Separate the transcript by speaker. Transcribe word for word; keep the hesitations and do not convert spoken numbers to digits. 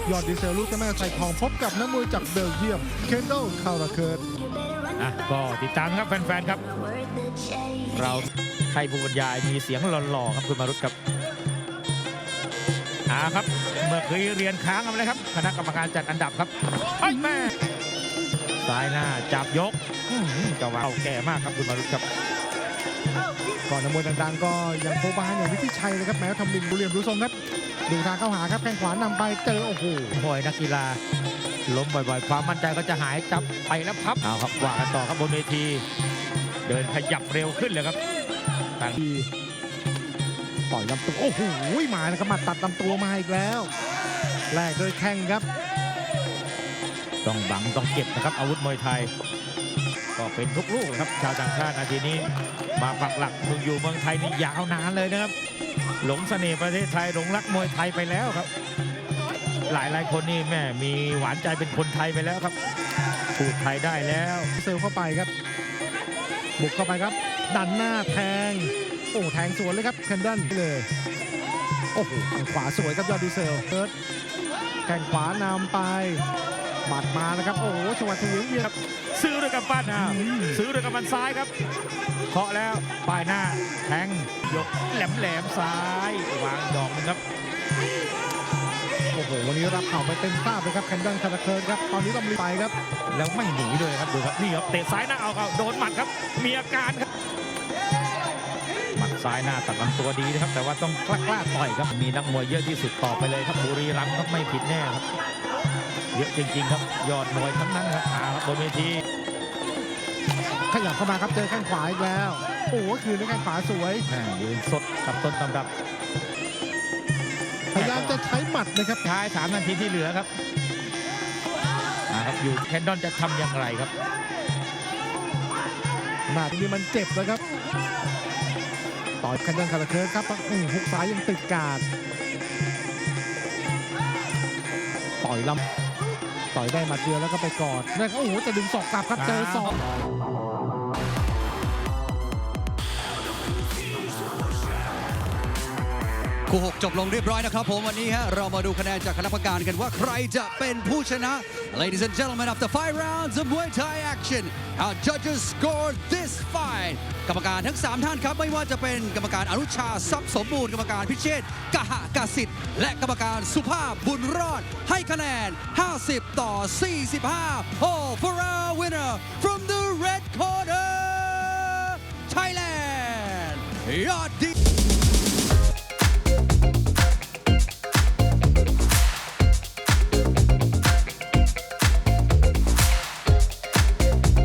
Speaker 1: ยอดดีเซลลูกเจ้าแม่ใส่ทองพบกับนักมวยจากเบลเยียมเคนโดคาราเคิร์ด
Speaker 2: อ่ะก็ติดตามครับแฟนๆครับเราให้ผู้บรรยายมีเสียงหล่อๆครับคุณมารุตครับอ่าครับเมื่อเคยเรียนค้างกันไปเลยครับคณะกรรมการจัดอันดับครับไอ้แม่ซ้ายหน้าจับยกจะว่าแก่มากครับคุณมารุตครับ
Speaker 1: ก่อนนักมวยดังๆก็ยังโคบาอย่างวิทิชัยเลยครับแม้ทำบินบุเรียมดูทรงครับดูทางเข้าหาครับแข้งขวานำไปเจอโอ้โห
Speaker 2: บ่อยนักกีฬาล้มบ่อยๆความมั่นใจก็จะหายจับไปแล้วพับเอาครับว่ากันต่อครับบนเวทีเดินขยับเร็วขึ้นเลยครับต่างที
Speaker 1: ต่อยลำตัวโอ้โหมาแล้วครับมาตัดลำตัวมาอีกแล้วแลกโดยแข้งครับ
Speaker 2: ต้องบังต้องเก็บนะครับอาวุธมวยไทยก็เป็นทุกลูกครับชาวต่างชาตินาทีนี้มาปักหลักมึงอยู่เมืองไทยนี่ยาวนานเลยนะครับหลงเสน่ห์ประเทศไทยหลงรักมวยไทยไปแล้วครับหลายหลายคนนี่แม่มีหวานใจเป็นคนไทยไปแล้วครับพูดไทยได้แล้ว
Speaker 1: เซลเข้าไปครับบุกเข้าไปครับดันหน้าแทงโอ้แทงสวนเลยครับแคนดอนเลยโอ้โหทางขวาสวยครับยอดดีเซลเอิร์ธแข้งขวานำไปบัดมานะครับโอ้โหจังหวะถึงเวียน
Speaker 2: ซื้อด้วยกับปั้นนะซื้อด้วยกับมันซ้ายครับเคาะแล้วปลายหน้าแทงยกแหลมแหลมซ้ายวางดอกนึงครับ
Speaker 1: โอ้โหวันนี้รับเข่าไปเต็มภาพเลยครับแคนดอนคาราเคิร์ดครับตอนนี้ต้องรีบไปครับ
Speaker 2: แล้วไม่หนีด้วยครับดูครับนี่ครับเตะซ้ายหน้าเอาครับโดนหมัดครับมีอาการครับหมัดซ้ายหน้าตัดลำตัวดีนะครับแต่ว่าต้องกล้ากล้าต่อยครับมีนักมวยเยอะที่สุดต่อไปเลยครับบุรีรัมย์ครับไม่ผิดแน่ครับเยอะจริงๆครับยอดมวยทั้งนั้นครับอาครับบนเวที
Speaker 1: ขยับเข้ามาครับเจอแข้งขวาอีกแล้วโอ้โหคืนด้วยแข้งขวาสวย
Speaker 2: ยืนสดกับต้นตำรับ
Speaker 1: พยายามจะใช้หมัดนะครับ
Speaker 2: ท้ายสามนาทีที่เหลือครับนะครับอยู่แคนดอนจะทำอย่างไรครับ
Speaker 1: หมัดนี้มันเจ็บเลยครับต่อยแคนดอนคาราเคิร์ดครับฮุกซ้ายยังติดการต่อยลำต่อยได้หมัดเดียวแล้วก็ไปกอดแล้วโอ้โหจะดึงศอกกลับครับเจอศอก
Speaker 3: คู่หกจบลงเรียบร้อยนะครับผมวันนี้ฮะเรามาดูคะแนนจากคณะกรรมการกันว่าใครจะเป็นผู้ชนะ Ladies and gentlemen after five rounds of Muay Thai action our judges scored this fight กรรมการทั้งสามท่านครับไม่ว่าจะเป็นกรรมการอนุชาทรัพย์สมบูรณ์กรรมการพิเชษกหกสิทธิ์และกรรมการสุภาพบุญรอดให้คะแนนห้าสิบต่อสี่สิบห้า Oh for our winner from the red corner Thailand ยอดดี